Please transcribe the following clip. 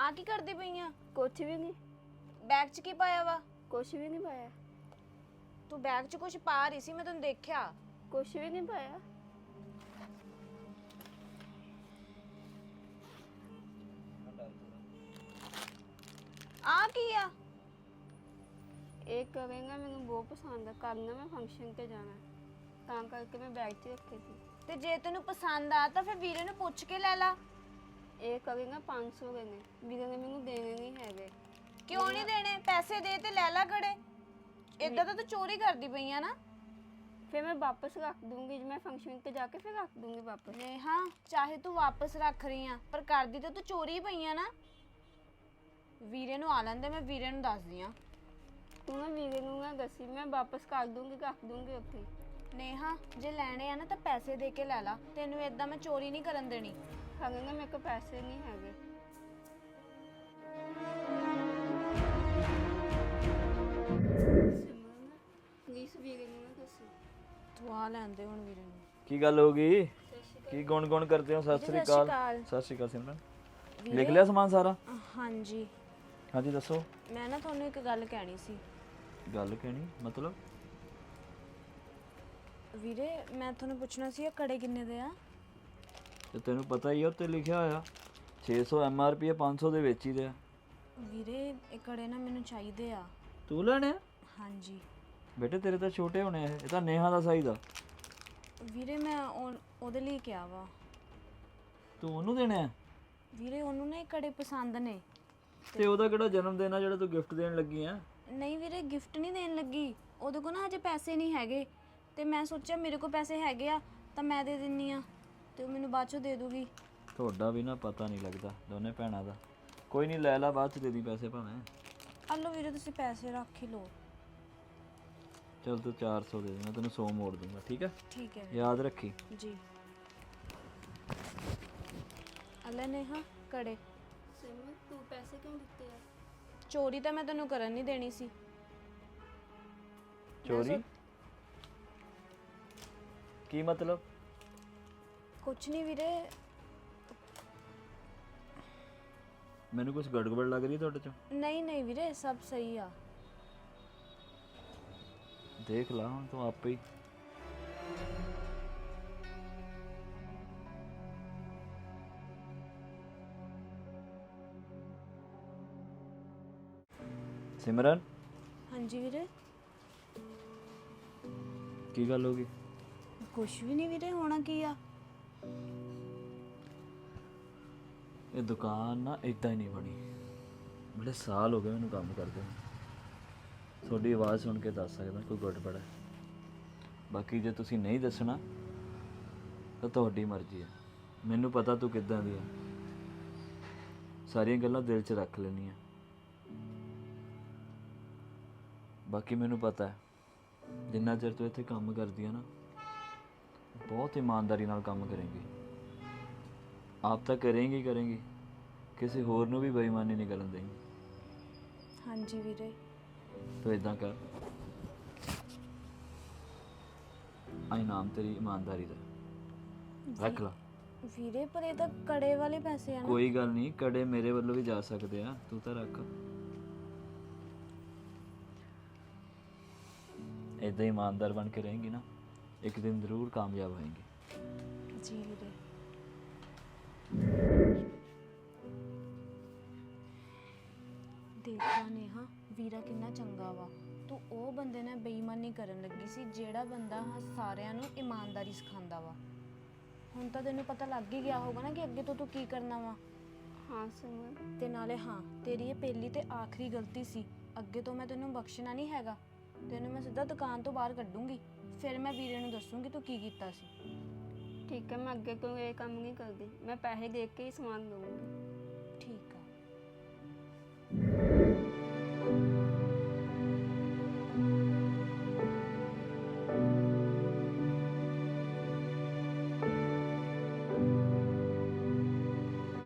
ਆ ਕੀ ਕਰਦੀ ਪਈ ਆ? ਕੁਛ ਵੀ ਨਹੀਂ। ਬੈਗ 'ਚ ਕੀ ਪਾਇਆ ਵਾ? ਕੁਛ ਵੀ ਨਹੀਂ ਪਾਇਆ। ਤੂੰ ਬੈਗ 'ਚ ਕੁਝ ਪਾ ਰਹੀ ਸੀ, ਮੈਂ ਤੈਨੂੰ ਦੇਖਿਆ। ਕੁਛ ਵੀ ਨਹੀਂ ਪਾਇਆ। ਆ ਕੀ ਆ? ਇਹ ਕਵੇਂਗਾ ਮੈਨੂੰ ਬਹੁਤ ਪਸੰਦ ਆ, ਕੱਲ ਨਾ ਮੈਂ ਫੰਕਸ਼ਨ ਤੇ ਜਾਣਾ ਤਾਂ ਕਰਕੇ ਮੈਂ ਬੈਗ 'ਚ ਰੱਖੇ ਸੀ। ਤੇ ਜੇ ਤੈਨੂੰ ਪਸੰਦ ਆ ਤਾਂ ਫਿਰ ਵੀਰੇ ਨੂੰ ਪੁੱਛ ਕੇ ਲੈ ਲਾ। ਇਹ ਕਵੇਂਗਾ 500 ਦੇ ਨੇ, ਵੀਰੇ ਨੇ ਮੈਨੂੰ ਦੇਣੇ ਨਹੀਂ ਹੈਗੇ। ਕਿਉਂ ਨਹੀਂ ਦੇਣੇ? ਪੈਸੇ ਦੇ ਤੇ ਲੈ ਲਾ ਕੜੇ। ਇਦਾਂ ਤਾਂ ਤੂੰ ਚੋਰੀ ਕਰਦੀ ਪਈ ਆ ਨਾ। ਫਿਰ ਮੈਂ ਵਾਪਸ ਰੱਖ ਦੂੰਗੀ, ਜੇ ਮੈਂ ਫੰਕਸ਼ਨ ਤੇ ਜਾ ਕੇ ਫਿਰ ਰੱਖ ਦੂੰਗੀ ਵਾਪਸ। ਨੇਹਾ, ਚਾਹੇ ਤੂੰ ਵਾਪਸ ਰੱਖ ਰਹੀ ਆ ਪਰ ਕਰਦੀ ਤਾਂ ਤੂੰ ਚੋਰੀ ਪਈ ਆ ਨਾ। ਵੀਰੇ ਨੂੰ ਆ ਲੈਂਦੇ, ਮੈਂ ਵੀਰੇ ਨੂੰ ਦੱਸਦੀ ਆ। ਤੂੰ ਨਾ ਵੀਰੇ ਨੂੰ ਨਾ ਦੱਸੀ, ਮੈਂ ਵਾਪਸ ਕਰ ਦੂੰਗੀ, ਰੱਖ ਦੂੰਗੀ ਉੱਥੇ। ਨੇਹਾ, ਜੇ ਲੈਣੇ ਆ ਨਾ ਤਾਂ ਪੈਸੇ ਦੇ ਕੇ ਲੈ ਲਾ। ਤੈਨੂੰ ਇਦਾਂ ਮੈਂ ਚੋਰੀ ਨਹੀਂ ਕਰਨ ਦੇਣੀ। ਕਵੇਂਗਾ ਮੇਰੇ ਕੋਲ ਪੈਸੇ ਨਹੀਂ ਹੈਗੇ। ਪਲੀਜ਼ ਵੀਰੇ ਨੂੰ ਨਾ ਦੱਸੀ। ਤੂੰ ਆ ਲੈਂਦੇ ਹੁਣ ਵੀਰੇ ਨੂੰ। ਕੀ ਗੱਲ ਹੋ ਗਈ? ਕੀ ਗੁਣ ਕਰਦੇ ਹੋ? ਸਤਿ ਸ੍ਰੀ ਅਕਾਲ। ਸਤਿ ਸ੍ਰੀ ਅਕਾਲ ਸਿਮਰਨ। ਲਿਖ ਲਿਆ ਸਮਾਨ ਸਾਰਾ? ਹਾਂਜੀ ਹਾਂਜੀ ਦੱਸੋ। ਮੈਂ ਨਾ ਤੁਹਾਨੂੰ ਇੱਕ ਗੱਲ ਕਹਿਣੀ ਸੀ। ਗੱਲ ਕਹਿਣੀ ਮਤਲਬ? ਵੀਰੇ ਮੈਂ ਤੁਹਾਨੂੰ ਪੁੱਛਣਾ ਸੀ, ਇਹ ਕੜੇ ਕਿੰਨੇ ਦੇ ਆ? ਤੇ ਤੈਨੂੰ ਪਤਾ ਹੀ ਆ ਉੱਤੇ ਲਿਖਿਆ ਹੋਇਆ 600 MRP 500 ਦੇ ਵਿੱਚ ਹੀ ਦੇ ਆ। ਵੀਰੇ ਇਹ ਕੜੇ ਨਾ ਮੈਨੂੰ ਚਾਹੀਦੇ ਆ। ਤੂੰ ਲੈਣੇ ਆ? ਹਾਂਜੀ ਬੇਟੇ ਤੇਰੇ ਤਾਂ ਛੋਟੇ ਹੋਣੇ ਆ, ਇਹ ਤਾਂ ਨੇਹਾ ਦਾ ਸਾਈਜ਼ ਆ। ਵੀਰੇ ਮੈਂ ਉਹਦੇ ਲਈ ਕਿਹਾ ਵਾ। ਤੂੰ ਉਹਨੂੰ ਦੇਣੇ ਆ? ਵੀਰੇ ਉਹਨੂੰ ਨਾ ਇਹ ਕੜੇ ਪਸੰਦ ਨੇ। ਤੇ ਉਹਦਾ ਕਿਹੜਾ ਜਨਮ ਦਿਨ ਆ ਜਿਹੜਾ ਤੂੰ ਗਿਫਟ ਦੇਣ ਲੱਗੀ ਆ? ਨਹੀਂ ਵੀਰੇ ਗਿਫਟ ਨਹੀਂ ਦੇਣ ਲੱਗੀ, ਉਹਦੇ ਕੋਲ ਨਾ ਹਜੇ ਪੈਸੇ ਨਹੀਂ ਹੈਗੇ ਤੇ ਮੈਂ ਸੋਚਿਆ ਮੇਰੇ ਕੋਲ ਪੈਸੇ ਹੈਗੇ ਆ ਤਾਂ ਮੈਂ ਦੇ ਦਿੰਨੀ ਆ ਤੇ ਉਹ ਮੈਨੂੰ ਬਾਅਦ ਚੋਂ ਦੇ ਦੂਗੀ। ਤੁਹਾਡਾ ਵੀ ਨਾ ਪਤਾ ਨਹੀਂ ਲੱਗਦਾ ਦੋਨੇ ਭੈਣਾਂ ਦਾ। ਕੋਈ ਨਹੀਂ ਲੈ ਲਾ, ਬਾਅਦ ਚ ਦੇ ਦੀ ਪੈਸੇ ਭਾਵੇਂ। ਆ ਲਓ ਵੀਰੇ ਤੁਸੀਂ ਪੈਸੇ ਰੱਖ ਹੀ ਲਓ। ਚਲ ਤੂੰ 400 ਦੇ ਦੇ, ਮੈਂ ਤੈਨੂੰ 100 ਮੋੜ ਦੂੰਗਾ, ਠੀਕ ਹੈ? ਠੀਕ ਹੈ ਯਾਦ ਰੱਖੀ। ਜੀ। ਅੱਲੇ ਨੇਹਾ ਕੜੇ। ਸਿਮਰਨ ਤੂੰ ਪੈਸੇ ਕਿਉਂ ਦਿੱਤੇ ਆ? ਚੋਰੀ ਤਾਂ ਮੈਂ ਤੈਨੂੰ ਕਰਨ ਨਹੀਂ ਦੇਣੀ ਸੀ। ਚੋਰੀ ਕੀ ਮਤਲਬ? ਕੁਛ ਨਹੀਂ ਵੀਰੇ। ਮੈਨੂੰ ਕੁਝ ਗੜਬੜ ਲੱਗ ਰਹੀ ਤੁਹਾਡੇ ਚ। ਨਹੀਂ ਨਹੀਂ ਵੀਰੇ ਸਭ ਸਹੀ ਆ। ਦੇਖ ਲਾ ਹੁਣ ਤੂੰ ਆਪੇ ਹੀ। ਸਿਮਰਨ ਹਾਂਜੀ ਵੀਰੇ। ਕੀ ਗੱਲ ਹੋ ਗਈ? ਕੁਛ ਵੀ ਨਹੀਂ ਵੀਰੇ, ਹੋਣਾ ਕੀ ਆ। ਇਹ ਦੁਕਾਨ ਨਾ ਇਦਾਂ ਹੀ ਨਹੀਂ ਬਣੀ। ਬੜੇ ਸਾਲ ਹੋ ਗਏ ਮੈਨੂੰ ਕੰਮ ਕਰਦੇ ਨੂੰ। ਤੁਹਾਡੀ ਆਵਾਜ਼ ਸੁਣ ਕੇ ਦੱਸ ਸਕਦਾ ਕੋਈ ਗੜਬੜ ਹੈ। ਬਾਕੀ ਜੇ ਤੁਸੀਂ ਨਹੀਂ ਦੱਸਣਾ ਤਾਂ ਤੁਹਾਡੀ ਮਰਜ਼ੀ ਹੈ। ਮੈਨੂੰ ਪਤਾ ਤੂੰ ਕਿੱਦਾਂ ਦੀ ਹੈ, ਸਾਰੀਆਂ ਗੱਲਾਂ ਦਿਲ 'ਚ ਰੱਖ ਲੈਣੀਆਂ। ਬਾਕੀ ਮੈਨੂੰ ਪਤਾ ਹੈ ਜਿੰਨਾ ਚਿਰ ਤੂੰ ਇੱਥੇ ਕੰਮ ਕਰਦੀ ਹੈ ਨਾ, ਬਹੁਤ ਇਮਾਨਦਾਰੀ ਨਾਲ ਕੰਮ ਕਰੇਂਗੀ। ਆਪ ਤਾਂ ਕਰੇਂਗੀ, ਕਿਸੇ ਹੋਰ ਨੂੰ ਵੀ ਬੇਈਮਾਨੀ ਨਹੀਂ ਕਰਨ ਦੇਂਗੀ। ਹਾਂਜੀ ਵੀਰੇ। ਤੂੰ ਇਦਾਂ ਕਰ, ਆ ਇਨਾਮ ਤੇਰੀ ਇਮਾਨਦਾਰੀ ਦਾ, ਰੱਖ ਲਾ। ਵੀਰੇ ਪਰ ਇਹ ਤਾਂ ਕੜੇ ਵਾਲੇ ਪੈਸੇ ਆ ਨਾ। ਕੋਈ ਗੱਲ ਨਹੀਂ, ਕੜੇ ਮੇਰੇ ਵੱਲੋਂ ਵੀ ਜਾ ਸਕਦੇ ਆ, ਤੂੰ ਤਾਂ ਰੱਖ। ਇਦਾਂ ਇਮਾਨਦਾਰ ਬਣ ਕੇ ਰਹੇਂਗੀ ਨਾ, ਇੱਕ ਦਿਨ ਜ਼ਰੂਰ ਕਾਮਯਾਬ ਹੋਏਂਗੀ। ਜੀ ਵੀਰੇ। ਦੇਖਾ ਨੇਹਾ ਵੀਰਾ ਕਿੰਨਾ ਚੰਗਾ ਵਾ। ਤੂੰ ਉਹ ਬੰਦੇ ਨਾਲ ਬੇਈਮਾਨੀ ਕਰਨ ਲੱਗੀ ਸੀ ਜਿਹੜਾ ਬੰਦਾ ਸਾਰਿਆਂ ਨੂੰ ਇਮਾਨਦਾਰੀ ਸਿਖਾਉਂਦਾ ਵਾ। ਹੁਣ ਤਾਂ ਤੈਨੂੰ ਪਤਾ ਲੱਗ ਹੀ ਗਿਆ ਹੋਗਾ ਨਾ ਕਿ ਅੱਗੇ ਤੋਂ ਤੂੰ ਕੀ ਕਰਨਾ ਵਾ। ਹਾਂ ਸਿਮਰਨ। ਤੇ ਨਾਲੇ ਹਾਂ, ਤੇਰੀ ਇਹ ਪਹਿਲੀ ਤੇ ਆਖਰੀ ਗਲਤੀ ਸੀ। ਅੱਗੇ ਤੋਂ ਮੈਂ ਤੈਨੂੰ ਬਖਸ਼ਣਾ ਨਹੀਂ ਹੈਗਾ। ਤੈਨੂੰ ਮੈਂ ਸਿੱਧਾ ਦੁਕਾਨ ਤੋਂ ਬਾਹਰ ਕੱਢੂੰਗੀ, ਫਿਰ ਮੈਂ ਵੀਰੇ ਨੂੰ ਦੱਸੂੰਗੀ ਤੂੰ ਕੀ ਕੀਤਾ ਸੀ। ਠੀਕ ਹੈ, ਮੈਂ ਅੱਗੇ ਤੋਂ ਇਹ ਕੰਮ ਨਹੀਂ ਕਰਦੀ। ਮੈਂ ਪੈਸੇ ਦੇ ਕੇ ਹੀ ਸਮਾਨ ਲਵਾਂਗੀ। ਠੀਕ।